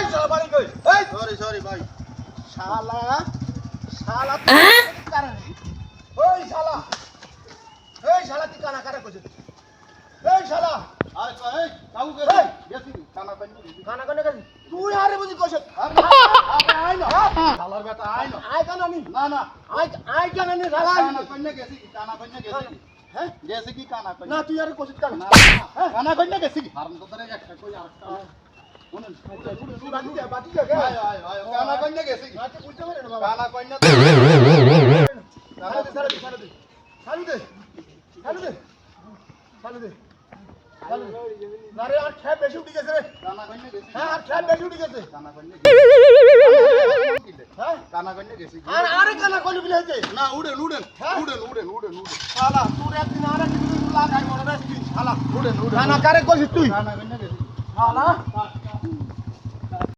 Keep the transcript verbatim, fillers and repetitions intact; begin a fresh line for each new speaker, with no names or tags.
এই শালা বাড়ি কই এই
সরি সরি ভাই
শালা শালা কারণ ওই শালা এই শালা তুই কানা কারা কইছিস এই শালা
আরে কই কাউ কে
এই!
গেছি কানা পানি
কানা কানা কইছিস তুই আরে বুঝি কইছিস
আরে আই না শালার বেটা আই না
আই কানা নি
না না
আই আই কানা নি শালা
কানা পানি গেছি কানা পানি গেছি
হ্যাঁ
গেছে কি কানা পানি
না তুই আরে কইছিস কানা
না কানা পানি গেছি হারাম তো ধরে একটা কই আরেকটা শুনুন
তুই বাটি দে বাটি দে কে
আয় আয় আয় কানা পানি গেছি
আচ্ছা বুঝতে পারে না বাবা
কানা পানি
সালু দে সালু দে সালু দে সালু দে সালু দে সালু দে সালু না রে আর খেয়ে বেশি উঠে গেছে রে
কানা পানি গেছি
হ্যাঁ আর খেয়ে বেশি উঠে গেছে
কানা পানি
হ্যাঁ
কানা পানি গেছি
আর আরে কানা কইলি বিলে হইছে
না উড়েন উড়েন
হ্যাঁ?
উড়েন উড়েন উড়েন উড়েন
শালা তোর একদিন আর একদিন লাগাই বড় রে তুই শালা
উড়েন উড়েন
কানা কারে কইছিস তুই
কানা পানি গেছি
শালা